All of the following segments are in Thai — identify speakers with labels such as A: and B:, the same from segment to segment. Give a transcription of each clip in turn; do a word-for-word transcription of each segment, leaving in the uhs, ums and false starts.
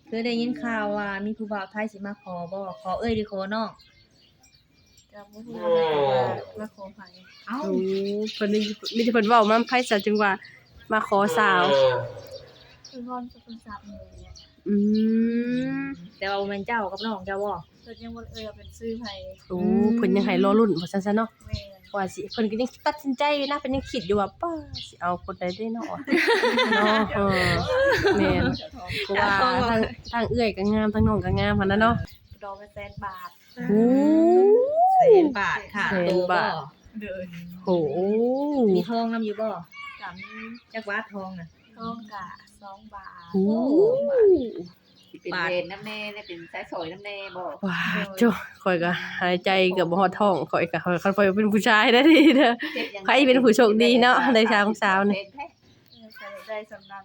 A: คือได้ยินข่าวว่ามีผู้บ่าวไทยสิมาขอบ่ขอเอ้ยหรือขอน้อง
B: ก็บ่ฮู้ว่ามาขอไผ
A: เอ้า
C: โอ้เพิ่นนี่มีแต่เพิ่นเว้ามาไผซะจึงว่ามาขอสาว
B: คือพรจะเป็นสามีเนี่ย
C: อืม
A: แต่ว่าบ่แม่นเจ้ากับน้องเจ้าบ่
B: เพิ่นยังบ่เอ่ยว่าเป็นชื่อไผ
C: โอ้เพิ่นยังให้รอลุ้นว่าซั่นซะเนาะ
B: แม่น
C: ว่าสิเพิ่นก็ยังตัดสินใจอยู่นะเพิ่นยังคิดอยู่ว่าป้าสิเอาคนใดเด้เนาะเนาะเออแม่นเพราะว่าทางทางเอื้อยก็งามทางน้องก็งามหั่นน่ะเนาะ
B: ดอกละแสนบาท
C: โอ้
A: แสนบาทค่ะ
C: แสนบาท
B: เด้อ
C: โอ้โฮ
A: มีทองนำอยู่บ่
B: ก็มี
A: จักบาททองน่ะ
B: ทองก็สองบาท
C: โอ้
D: สิเป็นเวรน้ำแน่ได้เป็นสายสอยน้ำแน่บ่
C: ว้าจ้ะข้อยก็หายใจเกือบบ่ฮอดท้องข้อยก็คันข้อยเป็นผู้ชายได้ดีเด้อใครเป็นผู้โชคดีเนาะได้ชายของสาวนี่
B: เออก็ได้สำนั้น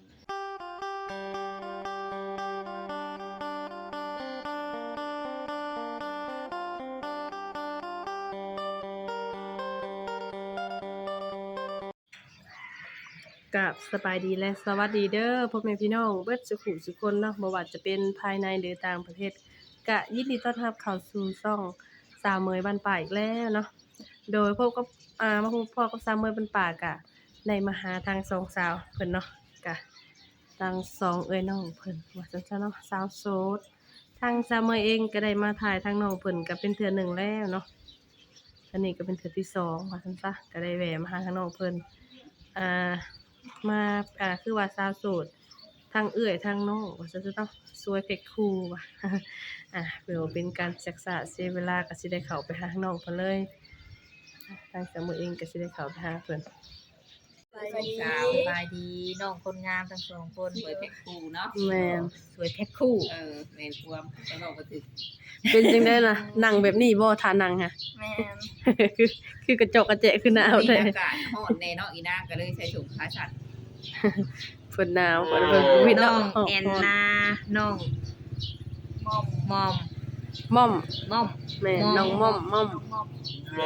C: กับสบายดีและสวัสดีเด้อพ่อแม่พี่น้องเบิดสุขุสุคนเนาะบ่ว่าจะเป็นภายในหรือต่างประเทศก็ยินดีต้อนรับเข้าสู่ช่องสาวเมยบ้านป่าอีกแล้วเนาะโดยพบกับอ่ามาพบพ่อกับสาวเมยบ้านป่าก็ได้มาหาทางสองสาวเพิ่นเนาะก็ทางสองเอ้ยน้องเพิ่นว่าซั่นซะเนาะสาวโสดทางสาวเมยเองก็ได้มาถ่ายทางน้องเพิ่นก็เป็นเทื่อหนึ่งแล้วเนาะอันนี้ก็เป็นเทื่อที่สองว่าซั่นซะก็ได้แวะมาหาทางน้องเพิ่นอ่ามาอ่าคือว่าสาวโสดทางเอื้อยทางน้องว่าซั่นซะเนาะสวยเพชรคู่ว่ะ อ่ะเพื่อบ่เป็นการศึกษาเสียเวลาก็สิได้เข้าไปหาน้องเพิ่นเลยทางสาวเมยเองก็สิได้เข้าไปหาเพิ่น
B: สบายดี
A: สาวสบายดีน้องคนงามทั้งสองคน
D: สวยเพชรคู่เนาะ
C: แม่น
A: สวยแพ็คคู่
D: เออแม่นความจะบอกบ่ถึก
C: เป็นจังได๋ล่ะนั่งแบบนี้บ่ท่านั่งฮะ
B: แม่น
C: คือคือกระจกกระแจะคือหนาว
D: มี
C: แท้
D: อากาศร้อนแน่เนาะอีนางก็เลยใส่ถุงขาสั้น
C: เพิ่นหนาวเพิ่นเพิ่นวิด
A: น้
C: เนาะ
A: องแอนนาน้อง
B: มอม
A: มอม
C: ม่อม
A: ม่อม
C: แม่น้องม่อมม่อม
B: มอม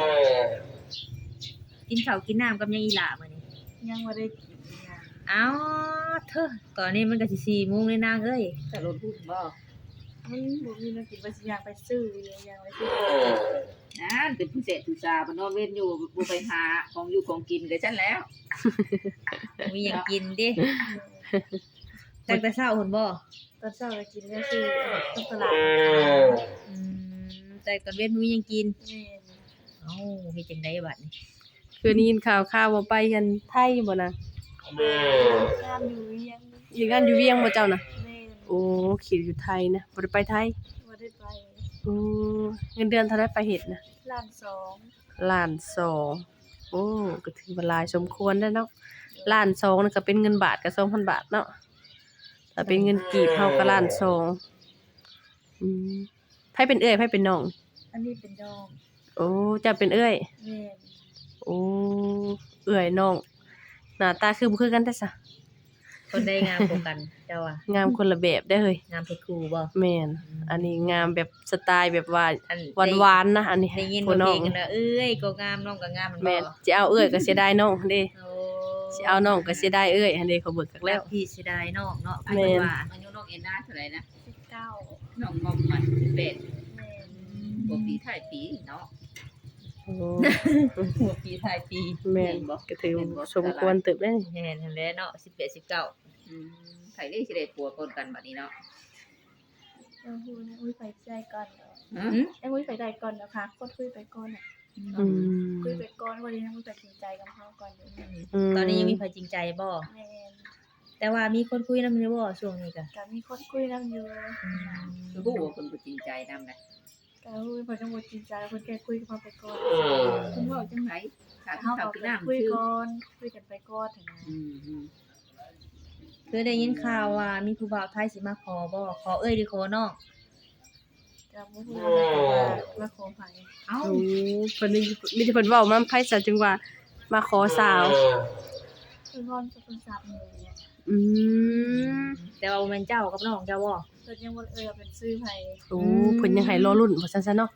A: กินข้าวกินน้ำกับยังอีหล่ามื้อนี้
B: ยังบ่ได้กินนะ
A: เอ้าเธอตอนนี้มันก็สิสี่โมงแล้วนางเอ้ย
D: แต่รถพูดบ่
B: มันบ่มีน้ำกินว่าสิอยากไปซื้ออยู่ยังไปซื้อ
D: นั่นเป็นผู้เสพผู้ชาบ่นอนเว้นอยู่บ่ไปหาของอยู่ของกินก็ซั่นแล้ว
A: มีหยังกินดิตั้งแต่เช้าพุ่นบ่
B: ตอนเช้าก็กินก็คือต้องตลาด
A: อืมแต่ตอนเว้นมีหยังกิน
B: แม่น
A: เอ้าเฮ็ดจังไดบัดนี้
C: คือได้ยินข่าวข่าวว่าไปกันไทยบ่นะ
B: งามอยู่เวียง
C: อยู่งานอยู่เวียงบ่เจ้าน่ะ
B: แม่น
C: โอ้คิดอยู่ไทยนะบ่ได้ไปไทย
B: บ่ได้ไป
C: โอ้เงินเดือนเท่าไดไปเฮ็ดน่ะ
B: ล้านสอง
C: ล้านสองโอ้ก็ถือว่าหลายสมควรแล้วเนาะล้านสองนั่นก็เป็นเงินบาทก็สองพันบาทเนาะถ้าเป็นเงินกีบเฮาก็ล้านสองอืมไผเป็นเอื้อยไผเป็นน้อง
B: อันนี้เป็นดอง
C: โอ้เจ้าเป็นเอื้อย
B: แม่น
C: โอ้เอื้อยน้องหน้าตาคือบ่คือกันแท้ซะ
A: คนได้งามกว่ากันเจ้าอ่ะ
C: งามคนละแบบได้อเฮ้ย
A: งามเพชรคู่บ่
C: แม่นอันนี้งามแบบสไตล์แบบว่า
A: อัน
C: หวานๆนะอันนี้
A: ได้ยิน
C: ผู้
A: ว่า
C: น้
A: เพ
C: อ
A: ล
C: ง
A: งกันนะเอ้ยก็งามน้องก็งามมันบ่
C: แม่นสิเอาเอื้อยก็เสียดายน้องเด้
A: โอ้
C: สิเอาน้องก็เสียดายเอื้อยอันนี้เขาเบิกกัก
A: แล้
C: แล้ว ว
A: พี่เสิได้น้องเนาะ
C: แม่น
A: ว่า
D: อายุน้องเอ็นนาเท่าไหร่นะ
B: สิบเก้า
D: น้องมอมมันสิบแปด
B: แม่น
D: บ่ปีท้ายปีเนาะ
C: โอ้
A: หัวปีท้ายปี
C: แม่นก็ถือสมควรเติบได้
A: แม่นหั่นแหละเนาะสิบแปด สิบเก้า
D: อืมไผได้สิได้ผัวคนกันบัดนี้เนาะ
B: เออฮู้นะอุ้ยไปใจก่อนเนาะ
D: ฮะ
B: ไอ้อุ้ยไปได้ก่อนนะคะกดคุยไปก่อนน่ะ
C: อืม
B: คุยไปก่อนวันนี้นะอุ้ยตัดสินใจกับเขาก่อนเดี๋ยวนี้
C: ม
A: ตอนนี้ยังมีใครจริงใจบ่
B: แม่น
A: แต่ว่ามีคนคุยนำอยู่บ่ช่วงนี้ก็
B: ก็มีคนคุยนํอยู่
D: คือผู้ว่าคนบ่จริงใจนำนะ
B: ก็อุ้ยบ่ต้องบ่จริงใจแล้วเพิ่นแค่คุยกับเขาไปก่อน
D: เพิ่นเว้าจังไดถ้า
B: เฮา
D: เขา
B: ก็
D: คือน้ำ
B: คุย
D: ชื่อ
B: ก่อนคุยกันไปก่อนเถอะนะ
D: อืมอืม
A: คือได้ยินข่าวว่ามีผู้บ่าวไทยสิมาขอบ่ขอเอ้ยหรือขอน้อง
B: ก็บ่ฮู้ว่ามาขอไผ
A: เอ้า
C: โอ้เพิ่นนี่มีแต่เพิ่นเว้ามาไผซะจึงว่ามาขอสาว
B: คือพรจะเป็นสามีเนี่ย
C: อืม
A: แต่ว่าบ่แม่นเจ้ากับน้องเจ้าบ่
B: เพิ่นยังบ่เอ่ยว่าเป็นชื่อไผ
C: โอ้เพิ่นยังให้รอลุ้นว่าซั่นซะเนาะ
B: แม่น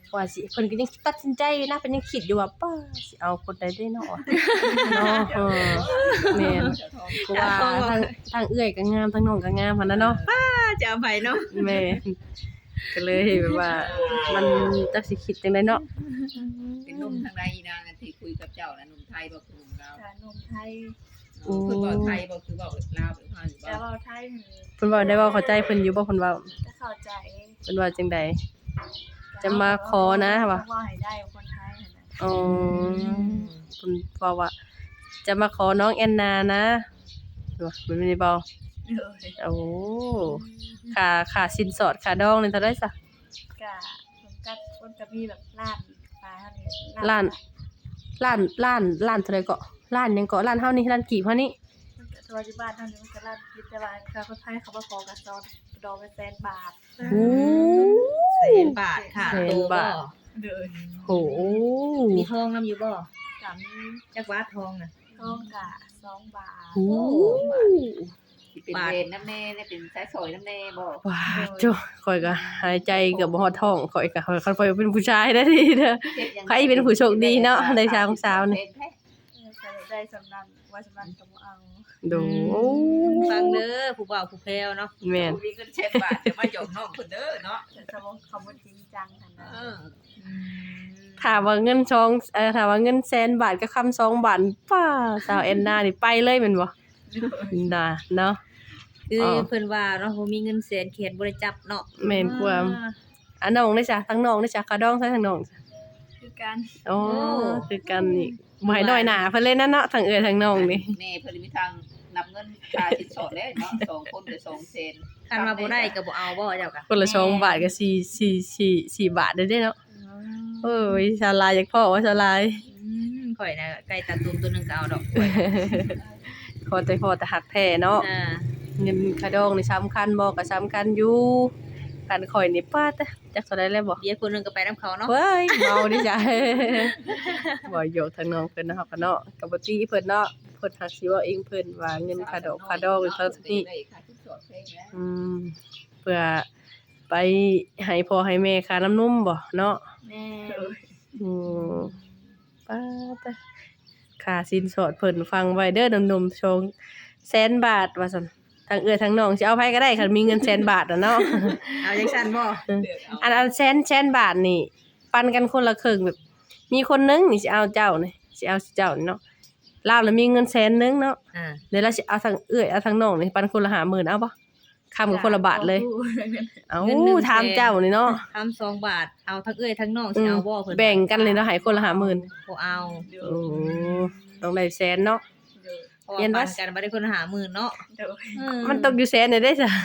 C: ว่าสิเพิ่นก็ยังตัดสินใจอยู่นะเพิ่นยังคิดอยู่ว่าป้าสิเอาคนใดได้เนาะเนาะเออแม่นเพราะว่าทางทางเอื้อยก็งามทางน้องก็งามหั่นน่ะเนาะ
A: ป้าจะเอาไปเนาะ
C: แม่นก็เลยแบบว่ามันจักสิคิดจังได๋เนาะ
D: เป็นหนุ่มทางใดอีนางอันที่คุยกับเจ้าน่ะหนุ่มไทยบ่คือหนุ่มลาว
B: กะนมไทย
D: เพิ่นเว้าไทยบ่คือเว้าลาวหรือว่าหรือ
B: แต่
D: ว่า
B: ว่าไทยนี่
C: เพิ่นเว้าได้เว้าเข้าใจเพิ่นอยู่บ่เพิ่นเว้า
B: จะเข้าใจ
C: เพิ่นว่าจังได๋ จะมาขอนะว่ะ
B: ว่าให้ได้คนไทยหั่นน่ะ
C: อ๋อเพิ่นเว้าว่าจะมาขอน้องแอนนานะว่าเพิ่นไม่ได้เว้า
B: เออ
C: โอ้ค่าค่าสินสอดค่าดองนี่เท่าใดซะ
B: กะมันก็มันก็มีแบบล้านปลายเท่านี้
C: ล้าน ล้านล้านล้านเท่าใดก็ล้านหยังก็ล้านเฮานี่ล้านกีบเฮานี่
B: มันก็ตัวที่บ้านเท่านี้มันก็ล้านคิดแต่ว่าค่าคนไทยเขามาขอกันซอนดอกเป็นแสนบาท
C: โอ้
A: แสนบาทค่ะ
C: แสน
A: โต
C: บา
A: บ่
C: ท
B: เด้อ
C: โห
A: มีทองนํอยู่บ่
B: กะมี
A: จักว่าทองน่ะ
B: ทองกะสองบาท
C: โอ้
D: สิเป็นเวรน้ำแน่เนี่ยเป็นสายสอยน้ำแน่บ่
C: ว้าจ้ะข่อยก็หายใจเกือบบ่ฮอดท้องข่อยก็ข่อยคันข่อยเป็นผู้ชายได้ดีเด้อ ใครเป็นผู้โชคดีเนาะในชาวของสาวนี่
B: เออก็ได้สำนันว่าสำนันก็บ่เอา
C: ดู
A: ฟังเด้อผู้บ่าวผู้แพรวเนาะ
C: แม่น
D: มีเงินเช็ดบาทจะมาหยอกน้องเพิ่นเด้อเนาะ
B: แต่ถ้าว่าเขาบ่จริงจังหั่นน่ะ
D: เออ
C: ถามว่าเงินชองเอ่อถามว่าเงินแสนบาทกับคำสองบาทป้าสาวแอนนานี่ไปเลยแม่นบ่น่ะเนาะ
A: คือ
C: อ๋อ
A: เพิ่นว่าเนาะบ่มีเงินแสนเขียนบ่ได้จับเนาะ
C: แม่นความอันน้องได้จ้ะทั้งน้องได้จ้ะกระดองใส่ทั้งน้องจ้ะ
B: คือกัน
C: อ๋อคือกันนี่บ่ให้น้อยหน้าเพิ่นเลยนะเนาะทั้งเอื้อทั้งน้องนี่
D: แม่เพิ่นมีทางนับเงินค่าสินสอดแล้วเนาะสองคนก็สองเซน
A: คันว่าบ่ได้ก็บ่เอาบ่เจ้าก็
C: คนละสองบาทก็สี่ สี่ สี่ สี่บาทได้เด้เนาะเอ้ยชาวลายอยากพ่อว่าชาวลาย
A: อืมข่อยน่ะไก่ตาตุ่มตัวหนึงก็เอาดอก
C: ขอแต่พอแต่หักแท้เนาะ
A: อ่า
C: เงินกระดองนี่สำคัญบ่ก็สำคัญอยู่คันข่อยนี่ป้าแต่จักเท่าใดแล้วบ่
A: เบียร์คนหนึงก็ไปนํเขาเนาะ
C: เว้ยเมาดิจ้ะ บ่โยกทางน้องเพิ่นเนาะครับเนาะก็บ่ตีเพิ่นเนาะเพิ่นหักสิเว้าเองเพิ่นว่าเงินค่าดอกค่าดอกเท่านี้
D: ได้ค่าสินสอดแพงแล้ว
C: อืมเพื่อไปให้พ่อให้แม่ค่าน้ำนมบ่เนาะ
B: แม่
C: อืมป้าแต่ค่าสินสอดเพิ่นฟังไว้เด้อหนุ่มๆชงแสนบาทว่าซั่นทางเอื้อทางน้องสิเอาไผก็ได้คันมีเงินแสนบาทอะเนาะ
A: เอาจังซั่นบ่
C: อันอันแสนแสนบาทนี่ปันกันคนละครึ่งแบบ มีคนนึงนี่สิเอาเจ้านี่สิเอาเจ้านี่เนาะลาวแล้วมีเงินแสนนึงเนาะ
A: อ่า
C: เดี๋ยวเราสิเอาทางเอื้อยเอาทางน้องนี่ปันคนละห้าหมื่นเอาบ่คำกับคนละบาทเลยเอาถามเจ้านี่เนาะ
A: ทำสองบาทเอาทั้งเอ้ยทั้งน้องสิเอาบ่เพิ่น
C: แบ่งกันเลยเนาะให้คนละห้าหมื่น
A: บ่เอา
C: โอ้ต้องได้แสนเนาะ
A: เพราะ
C: เรียน
A: ว่า
C: ว่า
A: ปันกันบ่ได้คนละห้าหมื่นเนาะ
B: เด้อ
A: อื
C: มันตกอยู่แสนนี่ได้จ้ะ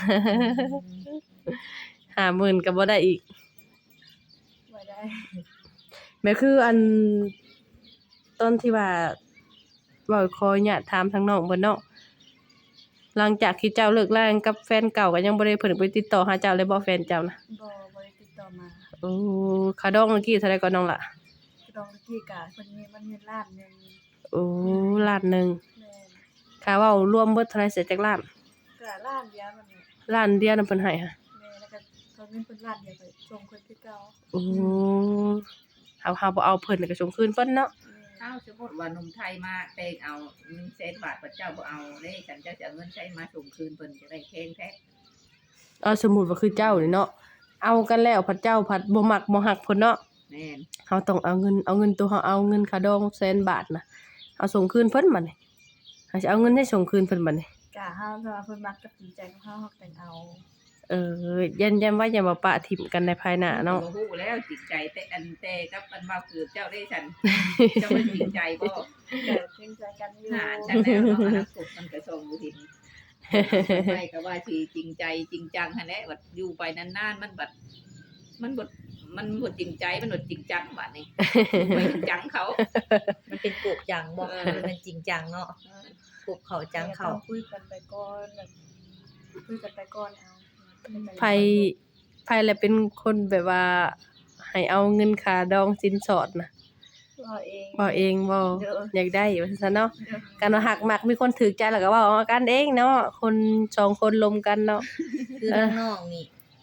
C: ห้าหมื่นก็บ่ได้อีก
B: บ่ได้
C: แม่คืออันตอนที่ว่าเว้าขออนุญาตถามทางน้องเพิ่นเนาะหลังจากที่เจ้าเลิกรากันกับแฟนเก่าก็ยังบ่ได้เพิ่นไปติดต่อหาเจ้าเลยบ่แฟนเจ้านะ
B: บ่บ่ได้ติดต่อมา
C: โอ้ค่าดองเมื่อกี้เท่าใดก่อนน้องล่ะ
B: ดองตะกี้กะเพิ่นมีมันมีล้านหนึง
C: โอ้ล้านหนึง
B: แม่น
C: ค่าเว้ารวมเบิดเท่าไหร่เสร็จจากล้าน
B: กะล้านเดียวมันนี่
C: ล้านเดียวนํเพิ่นให้ค่ะ
B: แม่แล้วก็ตอนนี้เพิ่นล้านเดียวก็ส่งเพิ่นคือเก่า
C: โอ้เฮาเฮาบ่เอาเพิ่นก็ส่งคืนเพิ่นเนาะ
D: ถ้าสมมติว่าหนุ่มไทยมาเตงเอาเงินเซนบาทพระเจ้าบ่เอาเด้ฉันจะจะเอาเงินใช้มาส่งคืนเพิ่นจะได้แพงแท้
C: เอาสมมุติว่าคือเจ้านี่เนาะเอากันแล้วพระเจ้าผัดบ่มักบ่ฮักเพิ่นเนาะ
D: แม่น
C: เฮาต้องเอาเงินเอาเงินตัวเฮาเอาเงินค่าดองแสนบาทน่ะเอาส่งคืนเพิ่นบัดนี้เฮาสิเอาเงินให้ส่งคืนเพิ่นบัดนี้
B: กะเฮาถ้าว่าเพิ่นมักกับจริงใจของเฮาเฮาแต่งเอา
C: เออยันยันว่าอย่ามาปะถิ่มกันในภายหน้าเนาะ
D: บ่ฮู้แล้วจิตใจแต่อันแต่กับอันมาคือเจ้าได้ฉัน เจ้าบ่จริงใจบ่
B: ก็จริงใจกันอยู่
D: หาฉันแล้วเนาะอนาคตมันก็ส่งบ่เห็นไม่ก็ว่าสิจริงใจจริงจังหั่นแหละบัดอยู่ไปนานๆมันบัดมันบ่มันบ่จริงใจมันบ่จริงจังบัดนี้ไม่จริงจังเขา
A: มันเป็นกบจังบ่
D: เออ
A: มันเป็นจริงจังเนาะกบเขาจังเขา
B: ต้องคุยกันไปก่อนแบบคุยกันไปก่อนเอา
C: ไผไผแหละเป็นคนแบบว่าให้เอาเงินค่าดองสินสอดน่ะ
B: เราเอง
C: บ่เองบ่
B: เด้อ
C: อยากได้ว่าซั่นเนาะการว่าหักมักมีคนถูกใจแล้วก็เว้าเอากันเองเนาะคนสองคนลมกันเนาะ
A: คือทั้งน้องนี่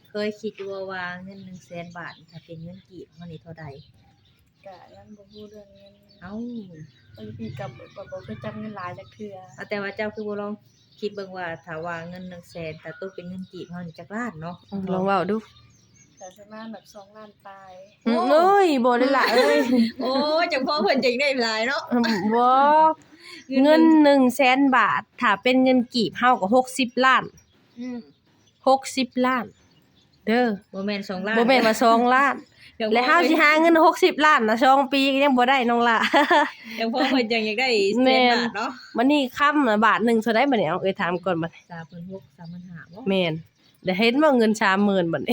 A: เคยคิดอยู่ว่าว่าเงินหนึ่งแสนบาทถ้าเป็นเงินกีบมันนี่เท่าใด
B: ก็ยังบ่ฮู้เรื่องเงิน
A: เอ้า
B: บางทีก็บ่บ่เคยจับเงินหลายจักเทื่อ
A: เอาแต่ว่าเจ้าคือบ่ลองคิดเบิ่งว่าถ้าว่าเงินหนึ่งแสนแต่ตกเป็นเงินกีบเฮานี่จักล้านเนาะ
C: ลองเว้าดู
B: แต่ประมาณแบบสองล้านปลาย
C: อืมเอ้ยบ่ได้ล่ะเอ้ย
A: โอ้จังพ่อเพิ่นจังได้หลายเนาะ
C: บ่เงินหนึ่งแสนบาทถ้าเป็นเงินกีบเฮาก็หกสิบล้าน
A: อืม
C: หกสิบล้าน เด้อ
A: บ่แม่นสองล้าน
C: บ่แม่นว่าสองล้าน
A: จังพ่อ
C: แล้วเฮาสิหาเงินหกสิบล้านน่ะสองปีก็ยังบ่ได้น้องล่ะ
A: จังพ่อเพิ่นจังอยากได้แส
C: แม่
A: น
C: น
A: บาทเนาะ
C: มันนี่ค่ำน่ะบาทหนึงเท่าใดบัดนี้เอาเอ้ยถามก่อนบัดนี้
A: สามพันหก สามพันห้าบ่
C: แม่นได้เห็นว่าเงินสามหมื่นบัดนี้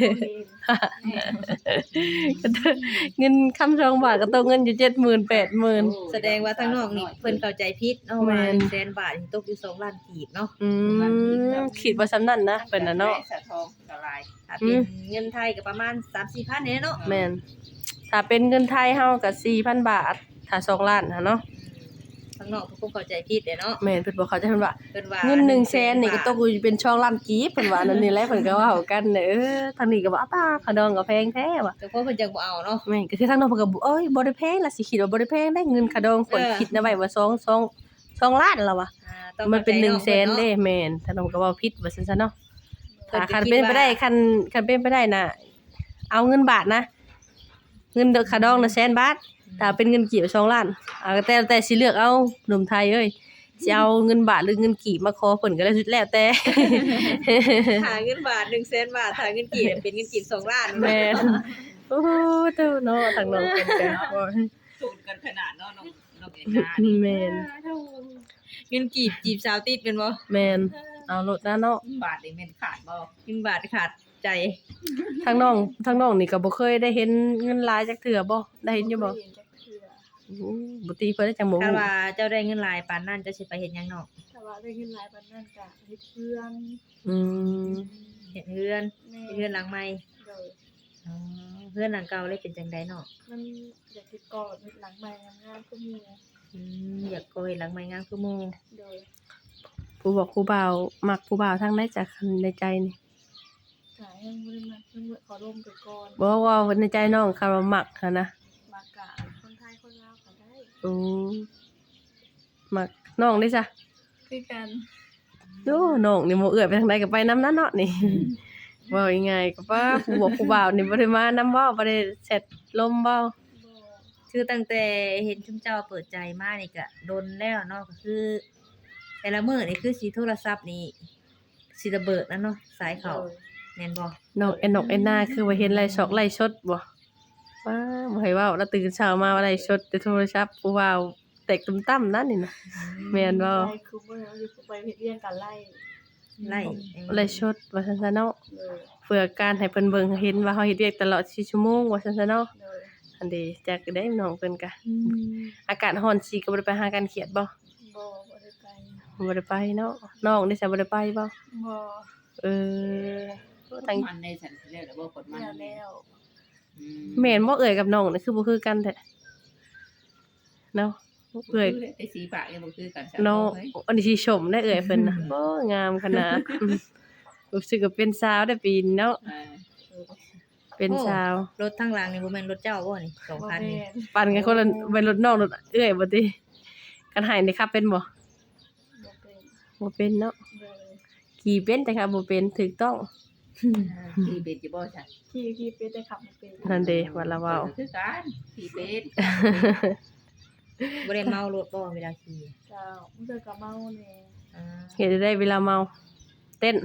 C: เงินคำสองบาทก็ตกเงินอยู่เจ็ดหมื่น แปดหมื่น
A: แสดงว่าทางนอกนี่เพิ่นเข้าใจผิดเนาะ
C: แม่
A: ว่าน หนึ่งแสนบาทนี่ตกอยู่สองล้านกีบเนาะ
C: อืมคิดว่าซำนั้นนะเป็นน่ะเนาะ
D: สะทองละลาย
A: ถ้าเป็นเงินไทยก็ประมาณ สามถึงสี่พัน เนี่ยเนาะ
C: แม่นถ้าเป็นเงินไทยเฮาก็ สี่พัน บาท ถ้าสองล้านน่ะเนาะ
A: ทางนอกเพิ่นคงเข้าใจผิดเด้เนาะ
C: แม่นเพิ่นบอกเขาใจเพิ่นว่า
A: เพิ่นว่า
C: เงินหนึ่งแสนนี่ก็ตกอยู่เป็นช่องล้านกีบเพิ่นว่านั่นนี่แหละเพิ่นก็เว้ากันเด้อเออทางนี้ก็ว่าอ้าตาขะดองก็แพงแท้ว่ะ
A: จังพ่อเพิ่นจังบ่เอาเนาะ
C: แม่นก็คือทางน้องเพิ่นก็บอกเอ้ยบ่ได้แพงล่ะสิคิดว่าบ่ได้แพงได้เงินขะดองคน
A: เออ
C: คิดนะไว้ว่าสอง สอง สองล้านแล้วว่ะ
A: อ่าต้อง
C: มันเป็นหนึ่ง
A: ข้า
C: แส
A: ใจ
C: น
A: อะ
C: เด้แม่นทางน้องก็เว้าผิดว่าซั่นซะเนาะ
A: เพิ่
C: ถ้าน
A: ก็
C: คัน
A: คิด
C: เป็นไปได้
A: ว่า
C: คันคันเป็นไปได้น่ะเอาเงินบาทนะ เงินเดอกขะดองน่ะแสนบาทถ้าเป็นเงินกีบสองล้านอ่าแต่แต่สิเลือกเอาหนุ่มไทยเอ้ยสิเอาเงินบาทหรือเงินกีบมาขอเพิ่นก็ได้สุดแล้วแต่
A: หาเงินบาท หนึ่งแสน บาทหาเงินกีบเป็นเงินกีบสองล้าน
C: แม่นโอ้โหเจ้าเนาะทางน้องเพิ่นก็บ่
D: สูตรกันขนาดเนาะน้องน้องเอ็นนานี่
C: แม่น
A: เงินกีบจีบสาวติดเป็นบ่
C: แม่นเอาโลดนะเนาะ
D: บาทนี่แม่นขาดบ่
A: เงินบาทขาดใจ
C: ทางน้องทางน้องนี่ก็บ่เคยได้เห็นเงินหลายจักเทื่อบ่ได้เห็นอยู่บ่
B: เคยเห็นจักเทื่อ
C: อู้บ่ตีเพิ่นได้จังบ่
A: ถ้า
C: ฮู้
A: ว่าเจ้าได้เงินหลายปานนั้นเจะสิไปเฮ็ดหยังเนาะ
B: แต่ว่าได้เงินหลายปานนั้นก็เฮ็ดเพื่อน
C: อืม
A: เฮ็ดเฮือน
B: แม่
A: เฮ็ดเฮือนหลังใหม่
B: โดย
A: อ๋อเฮือนหลังเก่าเลยเป็นจังไดเนาะ
B: มันอยากเฮ็ดก่อนเฮ็ดหลังใหม่งามๆก็มี
A: อืมอยากโกยหลังใหม่งามคือหมู่
B: โดย
C: ผู้บอกผู้บ่าวมักผู้บ่าวทางใดจากในใจนี่
B: ก็ยังบ่ได้มาเพิ่นขอร่วมไปก่อน
C: บ่ว่าในใจน้องคำว่ามักหันนะ
B: มากะคนไทยคนลาวก็ได้
C: อืมมักน้องได้จ้ะ
B: คือกัน
C: โอ้น้องนี่บ่เอื้อยไปทางใดก็ไปนำนั้นเนาะนี่ เว้ายังไงก็ว่าผู้บอกผู้บ่าวนี่บ่ได้มานำเว้าบ่ได้แชทลมเว้า
B: บ่
A: คือตั้งแต่เห็นชุมเจ้าเปิดใจมานี่ก็โดนแล้วเนาะก็คือ แต่ละมื้อนี่คือสิโทรศัพท์นี่สิระเบิดนั่นเนาะสายเข้าแม่นบ่
C: น้องแอนนกแอนนาคือว่าเห็นไลฟ์ช็อกไลฟ์สดบ่ว้าบ่ให้เว้าแล้วตื่นเช้ามาว่าไลฟ์สดแต่โทรศัพท์ผู้บ่าวแตกตุ้มตั้มนั่นนี่นะแม่นบ่
B: ไล่คือบ่เอาอยู่ไปเฮ็ดเรียนกันไล่
A: ไล่
C: ไลฟ์สดว่าซั่นซะเนาะ
B: เลย
C: เพื่อการให้เพิ่นเบิ่งเห็นว่าเฮาเฮ็ดเวียกตลอดสี่ชั่วโมงว่าซั่นซะเนาะ
B: เลย
C: อันเดจักได้น้องเพิ่นก็
A: อืม
C: อากาศร้อนสิก็บ่ได้ไปหากันเขียดบ่
B: บ่บ่ได้ไป
C: บ่ได้ไปเนาะน้องได้ซะบ่ได้ไปบ่
B: บ่
C: เออทั้ง
D: มันในสันแล้วแล้วบ่กดมัน
B: แล้วแล้ว
D: อืม
C: แม่นบ่เอ่ยกับน้องนี่คือบ่คือกันแท้เนาะเอ่ย
D: ไอ้สีปากยังบ่คือกัน
C: เนาะอันนี้สิชมได้เอ่ยเพิ่นน่ะโอ้งามขนาดอืมรู้สึกว่าเป็นสาวได้ปีนี้เนาะ
D: อ่า
C: เป็นสาว
A: รถทางหลังนี่บ่แม่นรถเจ้าบ่นี่สอง
B: บ่
A: คัน
B: แม่
A: นี่
B: น
C: ปั่นกันคนละเป็นรถน้องรถเอ่ยบ่ติกันให้นี่ครับเป็นบ่
B: บ่เป็น
C: บ่เป็นเนาะ
B: เลย
C: ขี่เป็นแต่ครับบ่เป็นถูกต้อง
D: ที่เป็นจะบ่จ้ะ
B: ขี่ขี่เป็นแต่ขับบ่เป็น
C: นั่นเด้ว่าละเว้า
D: คือกันที่เป็น
A: บ่ได้เมารถบ่เวลาขี่
B: เจ้ามันเจอกับเมาแน่
A: อ่า
C: เฮ็ดได้เวลาเมา เต้น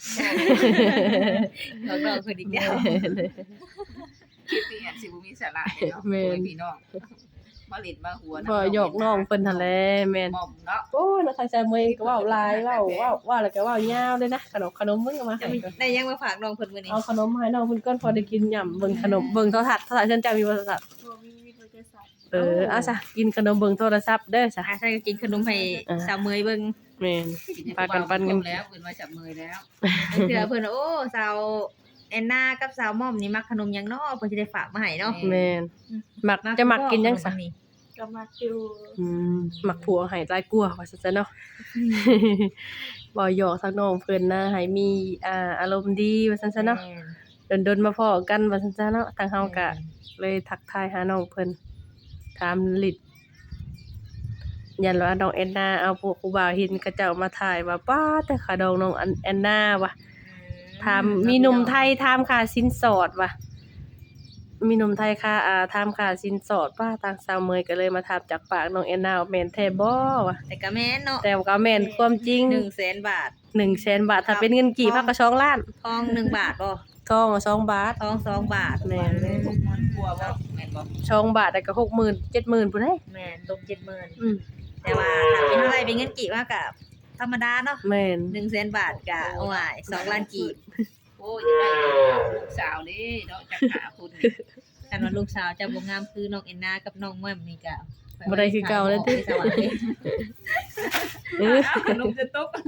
A: เขาก็คืออีกแล้ว
D: คลิปนี้อาจสิบ่มีสาระเนาะ
C: แม่น
D: โอ้ยพี่น้องมาเล่นมาหัว
C: พอหยอกน้องเพิ่นหั่นแหละแม่น
D: มอมเนาะ
C: โอ้ยแล้วทางใจมือก็เว้าหลายเว้าเว้าเว้าแล้วก็เว้ายาวเลยนะขนมขนมมึงเอามาให้ก่อน
A: ได้ยังมาฝากน้องเพิ่นมื้อนี้
C: เอาขนมมาให้น้องเพิ่นก่อนพอได้กินหย่ำเบิ่งขนมเบิ่งโทรทัศน์โทรทัศน์เพิ่นจะมีโทรศัพท์
B: บ่มีวิทยาศาสตร์
C: เออเอาซะกินขนมเบิ่งโทรศัพท์เด้อซะ
A: อ่ะใช่ก็กินขนมให้
C: อ่า
A: สาวเมยเบิ่ง
C: แม่น
D: ให้
C: ปากันปันกัน
D: ผู้บ่าวมาชมแล้วเพิ่นมาจับมือแล้ว
A: เทื่อเพิ่นว่าโอ้สาวแอนนากับสาวม่อมนี่มักขนมหยังเนาะเพิ่นสิได้ฝากมาให้เนาะ
C: แม่นมักจะมักกินจังซะ
B: ก็ก็มักอยู่
C: อืมมักผัวให้หลายกว่าว่าซั่นซะเนาะ บ่หยอกทางน้องเพิ่นนะให้มีอ่าอารมณ์ดีว่าซั่นซะเนาะ
A: แม่น
C: ดนๆมาพ้อกันว่าซั่นซะเนาะทางเฮาก็
A: แม่น
C: เลยทักทายหาน้องเพิ่นถามลิดยันว่าน้องแอนนาเอาพวกผู้บ่าวเห็นเขาเจ้ามาถ่ายว่าป๊าแต่ขาดองน้องอันแอนนาว่ะถามมีหนุ่มไทยถามค่าสินสอดว่ะมีหนุ่มไทยค่าอ่าถามค่าสินสอดป้าทางสาวเมยก็เลยมาถามจากปากน้องแอนนาว่าแม่นแท้บ่ว่ะ
A: แต่ก็แม่นเนาะ
C: แต่ว่าก็แม่นความจริง
A: หนึ่งแสนบาท
C: หนึ่งแสนบาทถ้าเป็นเงินกี่พักก็สองล้าน
A: ทองหนึ่งบาทบ่
C: ทองก็สองบาท
A: ทองสองบาท
C: แม่น
D: พวกมันกลัวว่าแม่นบ่
C: สองบาทได้ก็หกหมื่น เจ็ดหมื่นพุ่นเด้
A: แม่นตกเจ็ดหมื่น
C: อืม
A: แต่ว่าถ้าเป็นเท่าไหร่เป็นเงินกี่ว่ากับธรรมดาเนาะ
C: แม่น
A: หนึ่งแสนบาทกะโอ้ยสองล้านกีบ
D: โอ้ยจะได้ลูกสาวนี่เนาะจักหาคุณ
A: กันว่าลูกสาวจะบ่งามคือน้องเอ็นนากับน้องแม่มนี่ก็
C: บ่ได้คือเก่าแล้วติ
A: ไปสวรรค์เลย
C: เออ
D: เอาขนมจะตก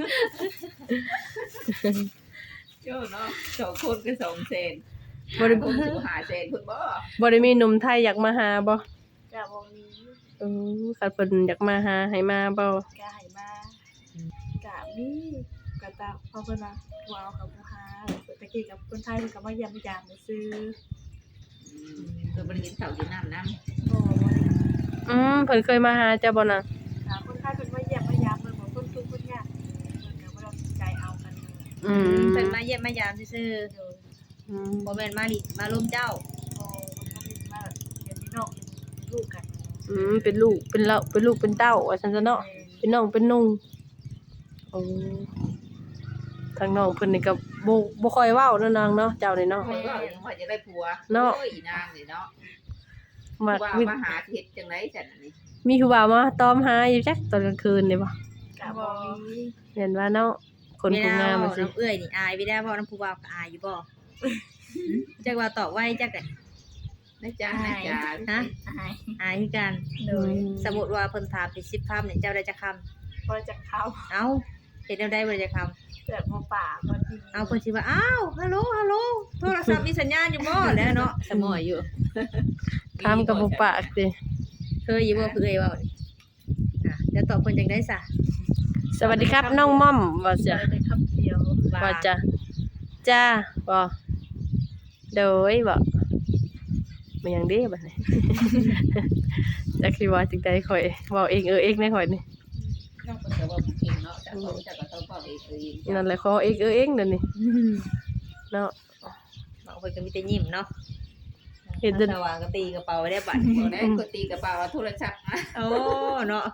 D: โจ้เนาะสองคนก็สองแสน
C: บ่ได้
D: คนสิหาแสนคุณบ่
C: บ่ได้มีหนุ่มไทยอยากมาหาบ่
B: ก็บ่มี
C: เออคันเพิ่นอยากมาหาให้มาบ่
B: ก็ให้มาก็มีก็ตามเพราะเพิ่นว่าว้าวกับผู้หาตะกี้กับคนไทยเพิ่นก็มาเยี่ยมยามมาซื้อ
D: ตัวบริเวณเสาอยู่น้ำน้
B: โอ้บ่ได้
C: อืมเพิ่นเคยมาหาเจ้าบ่น่ะ
B: ถามคนไทยเพิ่นมาเยี่ยมมายามเพิ่นบอกคนทุกข์คนยากเพิ่นก็บ่ได้สนใจเอากันเลย
C: อืม
A: เพิ่นมาเยี่ยมมายามซื่อ
B: โดย
C: อืม
A: ๆบ่แม่นมาลิมาล้มเจ้า
B: โอ้มันก็เป็นมาเดี๋ยวนี้น้องเป็นลูกกัน
C: อืมเป็นลูกเป็นเราเป็นลูกเป็นเต้าว่าซั่นซะเนาะเป็นน้องเป็นนุ่งโอ้ทางน้องเพิ่นนี่ก็บ่บ่ค่อยเว้าเนาะนางเนาะเจ้านี่เนาะ
D: ำคนก็ยังว่าจะได้ผัว
C: เนาะ
D: โอ้ยนางนี่เนาะ
C: มัก
D: ว่า
C: มี
D: มาหาเฮ็ดจังไดจังอันนี้
C: มีผู้บ่าวมาตอมหาอยู่จักตอนกลางคืนนี่บ่
B: ก็บ่มี
C: เห็นว่าเนาะคนผู้งาม
A: เว
C: มา
A: ลา
C: สิ
A: น้องเอื้อยนี่อายไปได้บ่น้ำผู้บ่าวก็อายอยู่บ่จักว่าตอบไว้จักกัน
D: นะจ๊ะนะจ๊ะ
A: ฮะ
B: อาย
A: อายคือกัน
B: โดย
A: สมมุติว่าเพิ่นถามเป็นสิบคำเนี่ยเจ้าได้จักคำ
B: บ่จักเข้า
A: เอ้าเฮ็ดแนวใดบ่ได้จักคำ
B: เกิดบ่ป่าบ่ดี
A: เอาเพิ่นสิว่าอ้าวฮัลโหลฮัลโหลโทรศัพท์มีสัญญาณอยู่บ่แล้วเนาะสมอยอยู่
C: ถามกับบ่ปากสิ
A: เคยอยู่บ่เคยเว้านี่อ่ะจะตอบเพิ่นจังได๋ซะ
C: สวัสดีครับน้องม่อมว่า
B: จะ
C: จะ
B: ได้คำเดียว
C: ว่าจะจ้าบ่โดยบ่มันหยังเด้บัดนี้ จักสิว่าจังได๋ข่อยเว้าเองเออเองแน่ข่อยนี่
D: น้องเพิ่นก็ว่าบ่เก่งเนาะแต่เขาจะก็ต้องเว้าเองเอง
C: นั่นแหละขอเองเออเองนั่นนี่เนาะ
A: บางคนก็มีแต่ยิ้มเนาะ
C: เฮ็ดเดิน
A: สว่างก็ตีกระเป๋าไว้ได้บัด
D: บ่ได้กดตีกระเป๋าเอาโทรศัพท์มา
A: โอ้เนาะ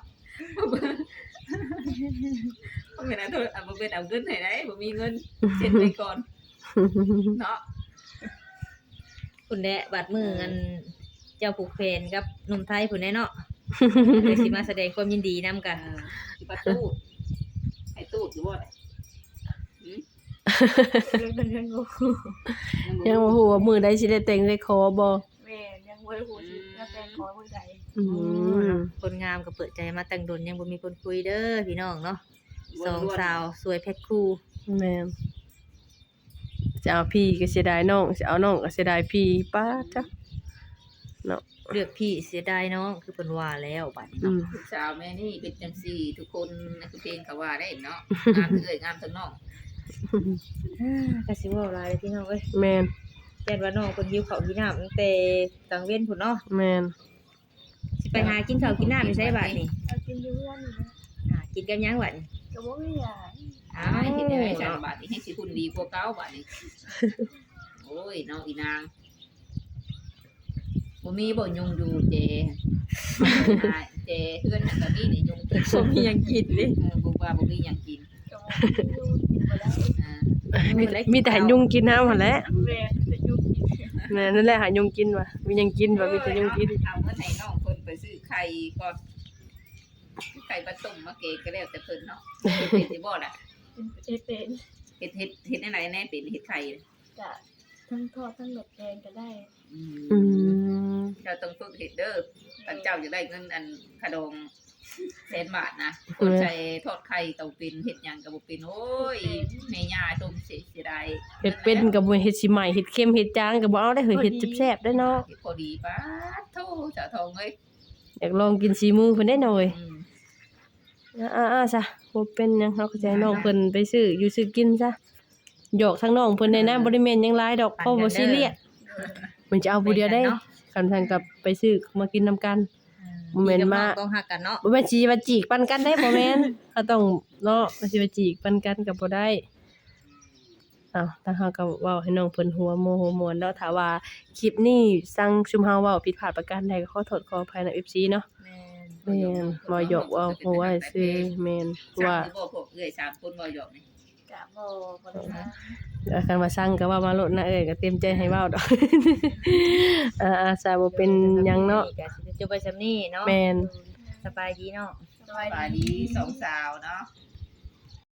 D: บ่แม่นเอาโทรเอาบ่เป็นเอาเงินให้ได้บ่มีเงินเช็ดไว้ก่อนเนาะ
A: คุณแดะบัดมืออันเจ้าผูกเพนกับหนุ่มไทยผู้ใดเนาะ เดี๋ยวสิมาแสดงความยินดีนํกัน
D: เออสิประตูให้ตู้อยู่บ่ได้
B: เรื่องนั้นยังงู
C: ยังบ่ฮู้ว่ามื้อใดสิได้แต่งได้ขอบ่
B: แม่ยังบ่ได้ฮู้สิแล้วแต่ขอมื้อใด
C: อืม
A: คนงามก็เปิดใจมาแต่งดนยังบ่มีคนคุยเด้อพี่น้องเนาะสองสาวสวยแพ็คคู่
C: แม่นจะเอาพี่ก็เสียดายน้องสิเอาน้องก็เสียดายพี่ป้าจ้ะเนาะ
A: เลือกพี่เสียดายน้องคือเพิ่นว่าแล้วบัดนี้
C: อื
A: เนาะ
C: ม
D: ลูกสาวแม่นี่เป็นจังซี่ทุกคนในคือเพลงก็ว่าได้เนาะงามเอ้ยงามทั้งน้อง
A: อ่าก็สิเว้าหลายเลยพี่น้องเอ้ย
C: แม่น
A: แม่นว่าน้องเพิ่นหิวข้าวหิวน้ำตั้งแต่กลางเว้นพุ่นเนาะ
C: แม่น
A: สิไปหากินข้าวกินน้ำอยู่ไสบัดนี้
B: เอากินอยู่เรือนนี่นะ
A: อ่ากินกับหยังบัดนี้
B: ก็บ่มีหยัง
D: อ้ายเฮ็ดได้จังบาดนี้ให้สิคุณดีกว่าเก่าบาดนี้โอ้ยน้องอีนางบ่มีบ่ยุงอยู่เจเจเพื่อนนั่นก็มีนี่ยุงเพิ่น
A: บ่มีหยังกินเด้
D: เออบ่ว่าบ่มีหยังกิน
B: ก็บ่มีอยู่กินบ่ได้
D: อ่า
C: มีมีแต่ให้ยุงกินน้ำหั่นแหละ
B: แม่จะอยู่กิน
C: แม่นั่นแหละหายุงกินว่ะมีหยังกินว่ะมีแต่ยุงกิน
D: เอาเงินให้น้องเพิ่นไปซื้อไข่ก่อนไข่ปลาต้มมาเกะก็แล้วแต่เพิ่นเนาะเฮ็ดสิบ่ล่ะ
B: เอเป็น
D: เฮ็ดเฮ็ดเฮ็ดได้ไหนแน่เป็นเฮ็ดไข่
B: จะทั้งทอดทั้งหลดแกงก็ได้
D: อื
C: อื
D: ม
C: ม
D: เจ้าต้องฝึกเฮ็ดเด้อถ้าเจ้าจะได้เงินอันขะดองแสนบาทนะคนใช้ทอดไข่ต้องเป็นเฮ็ดหยังก็บ่เป็นโอ้ยแม่ย่าต้มเสียเสียดาย
C: เฮ็ดเป็นก็บ่เฮ็ดสิใหม่เฮ็ดเค็มเฮ็ดจางก็บ่เอาได้เฮ้ยเฮ็ดแซ่บๆได้เนาะ
D: เฮ็ดพอดีปาดโธ่สาทองเอ้ย
C: อยากลองกินสีมือเพิ่นได้หน่อย
D: อืม
C: อ่าๆๆซะบ่เป็นหยังเฮาก็จะให้น้องเพิ่นไปซื้ออยู่ซื้อกินซะหยอกทั้งน้องเพิ่นได้นะบ่ได้แม่นหยังหลายดอกเพราะบ่ซีเรียสมันจะเอาผู้เดียวได้คันซั่นก็ไปซื้อมากินนำกัน บ่แม่นมา
A: ต้องฮักกันเนาะ
C: บ่แม่นสิว่าจีกปันกันได้บ่แม่นเขาต้องเนาะมันสิว่าจีกปันกันก็บ่ได้อ้าวทางเฮาก็เว้าให้น้องเพิ่นหัวโมโหม่วนเนาะถ้าว่าคลิปนี้สั่งชุมเฮาเว้าผิดพลาดประการใดก็ขอโทษขออภัยนำ เอฟ ซี เนาะ
A: แม่น
C: แม่นบ่หยอกเว้าหัวซื่อแม่น
D: สั่ง
C: ว่า
D: หรือบ่พวกเอ้ยสามคนบ่หยอกนี่
B: กะบ่บ่ได้นะ
C: อาคันว่าสั่งก็เว้ามาโลดนะเอ้ยก็เต็มใจให้เว้าดอก อ่าๆซะบ่เป็นหยังเนาะ
A: ก็สิจบไปซำนี้เนาะ
C: แม่น
A: สบายดีเนาะ
B: สบาย
D: สบาย
B: ดี
D: ดีสองสาวเนาะ